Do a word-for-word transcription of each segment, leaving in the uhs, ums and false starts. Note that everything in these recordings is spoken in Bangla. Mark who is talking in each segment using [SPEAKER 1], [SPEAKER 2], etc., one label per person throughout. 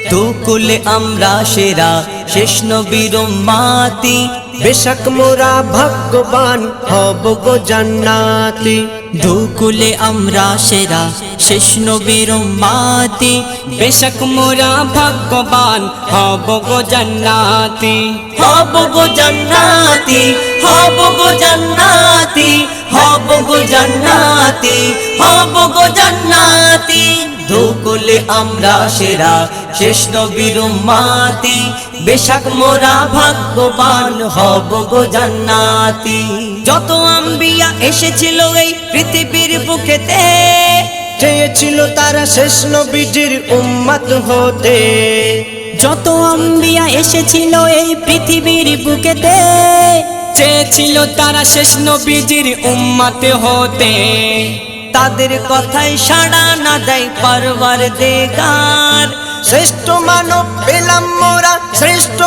[SPEAKER 1] দুকুলে আমরা সেরা শেষ নবীর উম্মতি,
[SPEAKER 2] বেশক মোরা ভাগ্যবান হব গো জান্নাতি।
[SPEAKER 1] দুকুলে আমরা সেরা শেষ নবীর উম্মতি, বেশক মোরা ভাগ্যবান হব গো জান্নাতি। হব গো জান্নাতি, হব গো জান্নাতি, হব গো জান্নাতি, হব গো জান্নাতি। দুকুলে আমরা সেরা শেষ নবীর উম্মতি, বেশক মোরা ভাগ্যবান হব গো জান্নাতি। যত আম্বিয়া এসেছিল এই পৃথিবীর বুকেতে,
[SPEAKER 2] চেয়েছিল তারা শেষ নবীজির উম্মত হতে।
[SPEAKER 1] যত আম্বিয়া এসেছিল এই পৃথিবীর বুকেতে, চেয়েছিল তারা শেষ নবীজির উম্মত হতে। তাদের কথায় সাড়া না দেয় পরওয়ারদিগার,
[SPEAKER 2] শ্রেষ্ঠ মানব পেলাম মোরা শ্রেষ্ঠ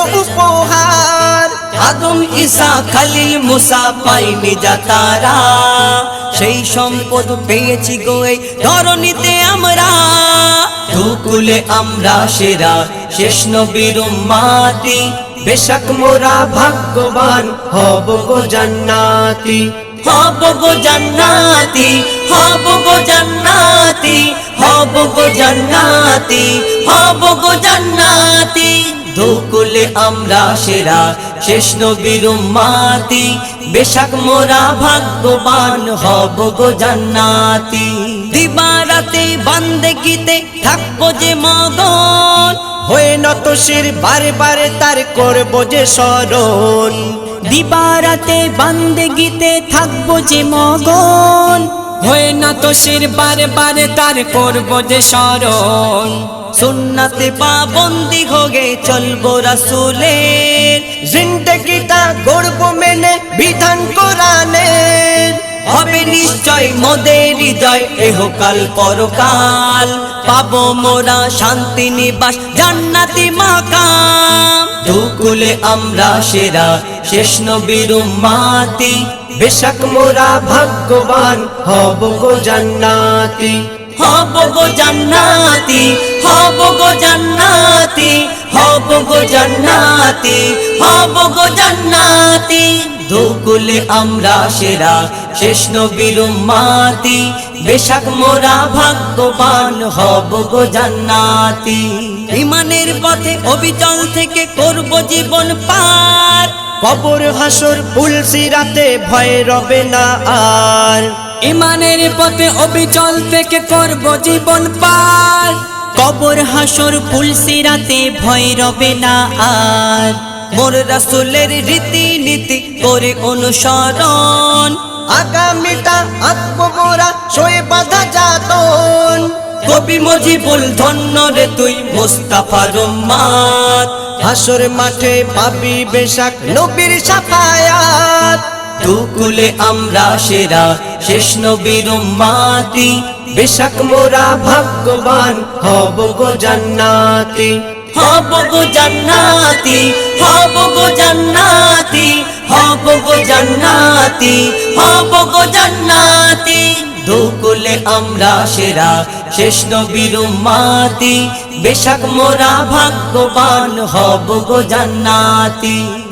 [SPEAKER 2] উপহার।
[SPEAKER 1] আদম ঈসা খলিল মুসা পাইনি যা তারা, সেই সম্পদ পেয়েছি গো এই ধরণীতে আমরা। দুকুলে আমরা সেরা শেষ নবীর উম্মতি,
[SPEAKER 2] বেশক মোরা ভাগ্যবান হব গো জান্নাতি।
[SPEAKER 1] হব গো জান্নাতি, হব গো জান্নাতি, হব গো জান্নাতি, হব গো জান্নাতি। দুকুলে আমরা সেরা শেষ নবীর উম্মতি, বেশক মোরা ভাগ্যবান হব গো জান্নাতি। দিবারাতে বান্দেগিতে থাকবো যে মগন,
[SPEAKER 2] হয়ে নত শির বারে বারে তার করব যে স্মরণ।
[SPEAKER 1] দিবারাতে বান্দেগিতে থাকবো যে মগন, হয়ে না তো শির বারে বারে তার করবো যে স্মরণ। সুন্নাতে পাবন্দি হোগে চলবো রাসূলের,
[SPEAKER 2] জিন্দেগিটা গড়ব মেনে বিধান কোরআনের।
[SPEAKER 1] হবে নিশ্চয় মোদের হৃদয় এহকাল পরকাল, পাবো মোরা শান্তি নিবাস জান্নাতি মাকাম। দুকুলে আমরা সেরা শেষ নবীর উম্মতি,
[SPEAKER 2] বেশক মোরা ভাগ্যবান হব গো জান্নাতি।
[SPEAKER 1] হব গো জান্নাতি, হব গো জান্নাতি, হব গো জান্নাতি, হব গো জান্নাতি। দুকুলে আমরা সেরা শেষ নবীর উম্মতি, বেশক মোরা ভাগ্যবান হব গো জান্নাতি। ঈমানের পথে অবিচল থেকে করব জীবন পার,
[SPEAKER 2] কবর হাসর পুলসিরাতে ভয় রবে না আর।
[SPEAKER 1] ঈমানের পথে অবিচল থেকে করব জীবন পার, কবর হাসর পুলসিরাতে ভয় রবে না আর। মোর রাসূলের রীতি নীতি করে অনুসরণ,
[SPEAKER 2] আগামীটা আঁকবো মোরা সয়ে বাঁধা যাতন।
[SPEAKER 1] কবি মজিবুল ধন্য রে তুই মুস্তাফার উম্মত,
[SPEAKER 2] হাসর মাঠে পাবি বেশক নবীর শাফায়াত।
[SPEAKER 1] দুকুলে আমরা সেরা শেষ নবীর উম্মতি,
[SPEAKER 2] বেশক মোরা ভাগ্যবান হব গো জান্নাতি।
[SPEAKER 1] হব গো জান্নাতি, হব গো জান্নাতি, হব গো জান্নাতি, হব গো জান্নাতি। দুকুলে আমরা সেরা শেষ নবীর উম্মতি, বেশক মোরা ভাগ্যবান হব গো জান্নাতি।